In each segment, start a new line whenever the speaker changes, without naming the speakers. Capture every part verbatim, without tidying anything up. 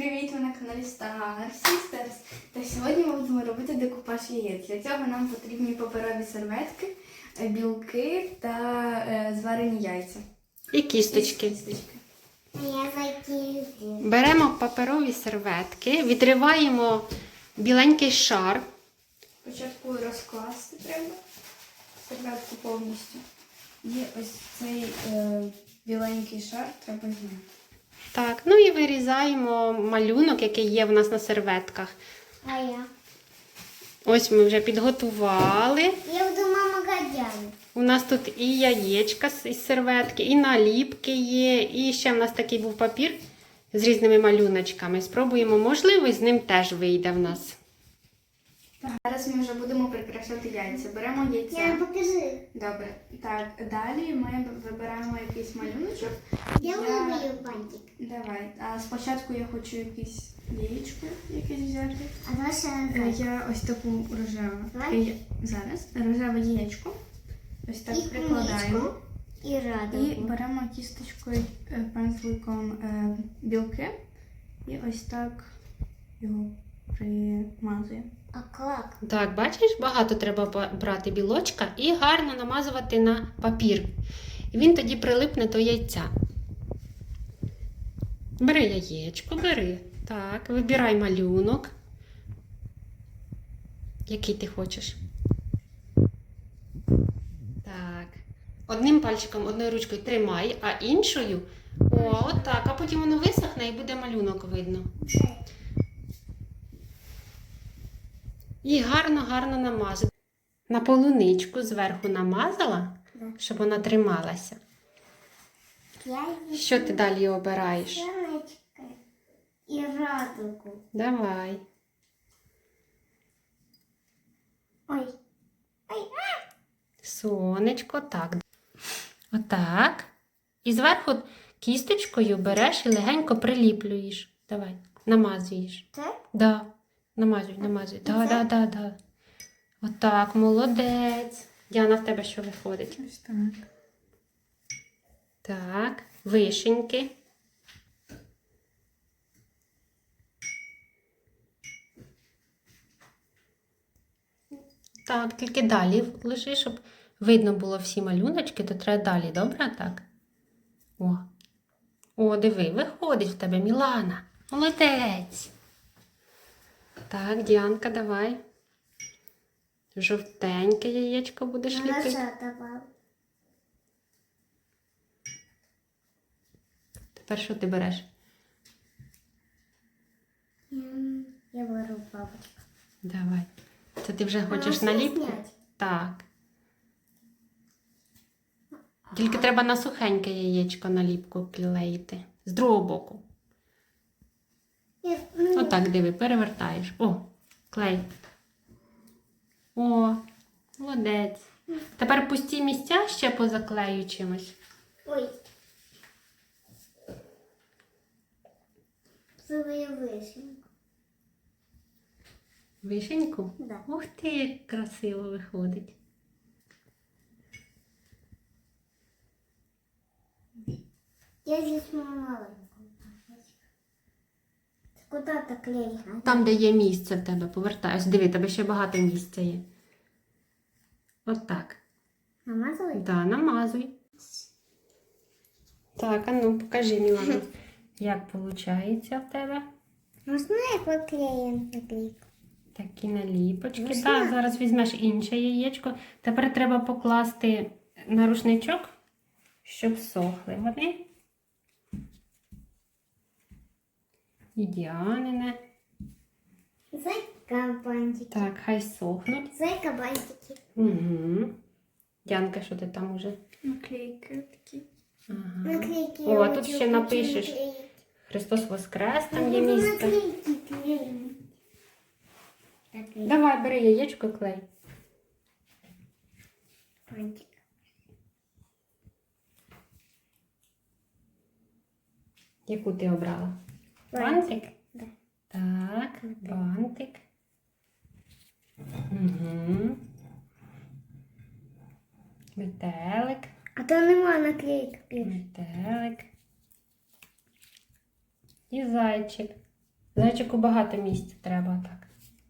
Привіт, ви на каналі Star Sisters. Та сьогодні ми будемо робити декупаж яєць. Для цього нам потрібні паперові серветки, білки та е, зварені яйця.
І кісточки.
І кісточки.
Беремо паперові серветки, відриваємо біленький шар.
Спочатку розкласти треба серветку повністю. І ось цей е, біленький шар треба зняти.
Так, ну і вирізаємо малюнок, який є в нас на серветках.
А я?
Ось ми вже підготували.
Я буду мама Гадяна.
У нас тут і яєчка із серветки, і наліпки є, і ще в нас такий був папір з різними малюночками. Спробуємо, можливо, з ним теж вийде в нас.
Зараз ми вже будемо прикрашати яйця. Беремо яйця.
Я покажи.
Добре. Так, далі ми вибираємо якийсь малюночок.
Я виберу бантик.
Давай. А спочатку я хочу якесь яєчко якесь взяти.
А давай ще
Е,
раз.
Я ось таку рожеву.
Давай.
Е, Зараз рожеве яєчко. Ось так
І
прикладаємо.
куничку, І
І
радугу.
беремо кісточкою, е, пензликом е, білки. І ось так його примазуємо.
А як?
Так, бачиш, багато треба ба- брати білочка і гарно намазувати на папір. І він тоді прилипне до яйця. Бери яєчко, бери. Так, вибирай малюнок. Який ти хочеш. Так. Одним пальчиком, одною ручкою тримай, а іншою. О, отак. А потім воно висохне і буде малюнок видно. І гарно-гарно намазати. На полуничку зверху намазала, щоб вона трималася.
Я
Що ти далі обираєш?
Сонечко і радугу.
Давай.
Ой. Ой.
Сонечко, так. Отак. І зверху кісточкою береш і легенько приліплюєш. Давай, намазуєш.
Так?
Да. Намазуй, намазуй. Да, да, да, да. Отак, молодець. Діана, в тебе що виходить?
Ось так.
Так, вишеньки. Так, тільки далі лиши, щоб видно було всі малюночки, то треба далі, добре? Так. О. О, диви, виходить в тебе, Мілана. Молодець. Так, Діанка, давай. Жовтеньке яєчко будеш
Я
ліпити.
ще давав.
Тепер що ти береш?
Ем, Я беру бабочку.
Давай. Це ти вже хочеш
все
наліпку?
зняти?
Так. Тільки треба на сухеньке яєчко наліпку клеїти. З другого боку.
Я- ну,
Отак, диви, перевертаєш. О, клей. О, молодець. Тепер пусті місця ще позаклею чимось.
Ой. Свою вишеньку.
Вишеньку?
Да.
Ух ти, як красиво виходить.
Я здесь маленькую. Куда то клей?
Там, де є місце в тебе, повертай. Ось диви, тебе ще багато місця є. Отак.
Намазывай?
Да, намазуй. Так, а ну покажи, Мілана, як виходить в тебе.
Можно я поклеим наклейку?
Такі наліпочки.
Можна?
Так, зараз візьмеш інше яєчко. Тепер треба покласти на рушничок, щоб сохли вони. І Діанине.
Зайка бантики.
Так, хай сохнуть.
Зайка бантики.
Угу. Діанка, що ти там уже?
Наклейки такі.
Ага.
Наклейки.
О,
я
а тут
хочу
ще напишеш.
наклеить.
Христос Воскрес,
Я
там є
буду
місце.
наклейки клеить. Наклейки.
Давай, бери яєчко, клей.
Бантик.
Яку ти обрала?
Бантик? Да.
Так, бантик. Угу. Метелик.
А то нема наклейки.
Метелик. І зайчик. Зайчику багато місця треба так.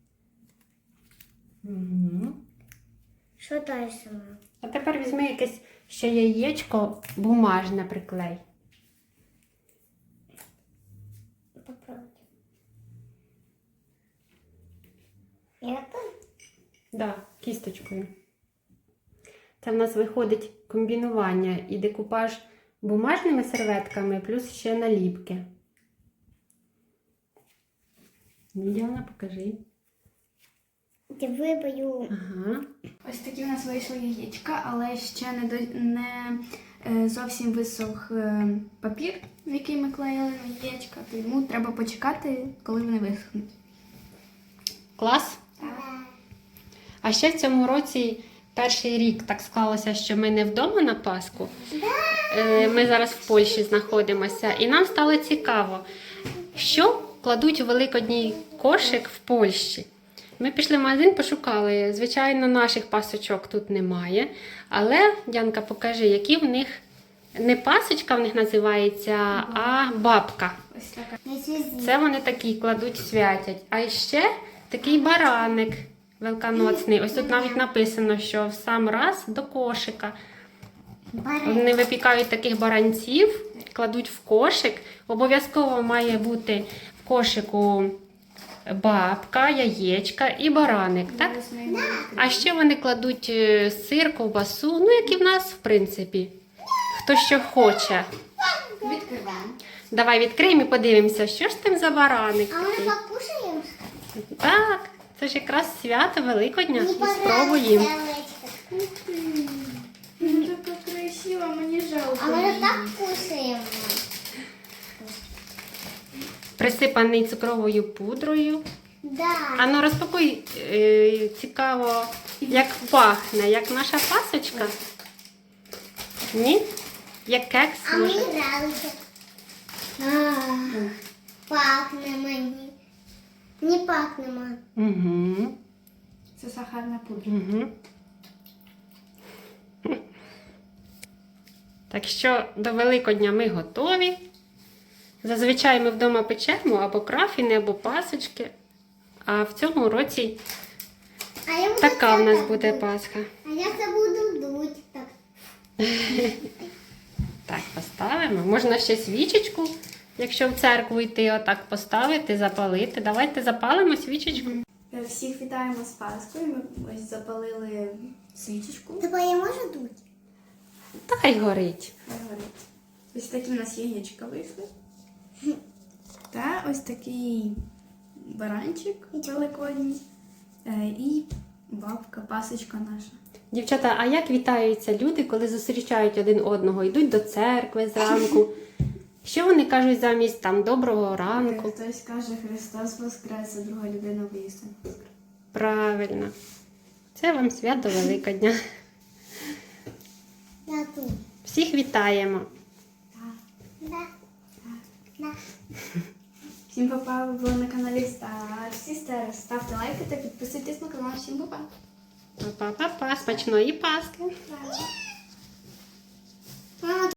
Угу.
Що далі, мама?
А тепер візьми якесь ще яєчко бумажне приклей.
Попробуй. Это?
Да, кісточкою. Це в нас виходить комбінування і декупаж бумажними серветками, плюс ще наліпки. Ну, Діана, покажи.
Ти вибою.
Ага.
Ось такі у нас вийшли яєчка, але ще не, до, не е, зовсім висох е, папір, в який ми клеїли на яєчка, тому треба почекати, коли вони висохнуть.
Клас? А ще в цьому році перший рік так склалося, що ми не вдома на Пасху. Е, Ми зараз в Польщі знаходимося. І нам стало цікаво, що кладуть у великодній кошик в Польщі. Ми пішли в магазин, пошукали. Звичайно, наших пасочок тут немає. Але, Дянка, покажи, які в них не пасочка в них називається, а бабка.
Ось така.
Це вони такі кладуть, святять. А ще такий бараник великодноцний. Ось тут навіть написано, що в сам раз до кошика. Вони випікають таких баранців, кладуть в кошик. Обов'язково має бути в кошику бабка, яєчка і бараник. Так?
Зараз ми його
А ще вони кладуть е, сир, ковбасу, ну як і в нас, в принципі. Хто що хоче.
відкриваємо.
Давай відкриємо і подивимося, що ж там за бараник.
А ми
такий.
покушаємо?
Так, це ж якраз свято Великодня. І спробуємо.
Ну, така красива, мені жалко.
А ми
її.
так кушаємо.
Присипаний цукровою пудрою.
Да.
А ну розпакуй, е, цікаво, як пахне, як наша пасочка. Ні? Як кекс
А мені
може.
нравиться. А, пахне мені. Не пахне, мам.
Угу.
Це сахарна пудра.
Угу. Так що до Великодня ми готові. Зазвичай ми вдома печемо або крафіни, або пасочки. А в цьому році
А я буду
така в
це
нас
так
буде
дуть.
Пасха.
А я це буду дуть. Так.
Так, поставимо. Можна ще свічечку, якщо в церкву йти, отак поставити, запалити. Давайте запалимо свічечку.
Е, Всіх вітаємо з Пасхою. Ми ось запалили свічечку.
Тобто я можу дуть?
Та хай горить.
Хай горить. Ось такі у нас яєчка вийшли. Та ось такий баранчик великодній. Е, І бабка, пасочка наша.
Дівчата, а як вітаються люди, коли зустрічають один одного, йдуть до церкви зранку? Що вони кажуть замість там доброго ранку?
Хтось каже Христос Воскрес, а друга людина воістин Воскрес.
Правильно. Це вам свято Великодня.
Я тут.
Всіх вітаємо.
Да. Да.
Всім па-па, ви були на каналі Star Sisters. Ставте лайки та підписуйтесь на канал. Всім па-па.
Па-па-па-па, смачної Пасхи.
Мама,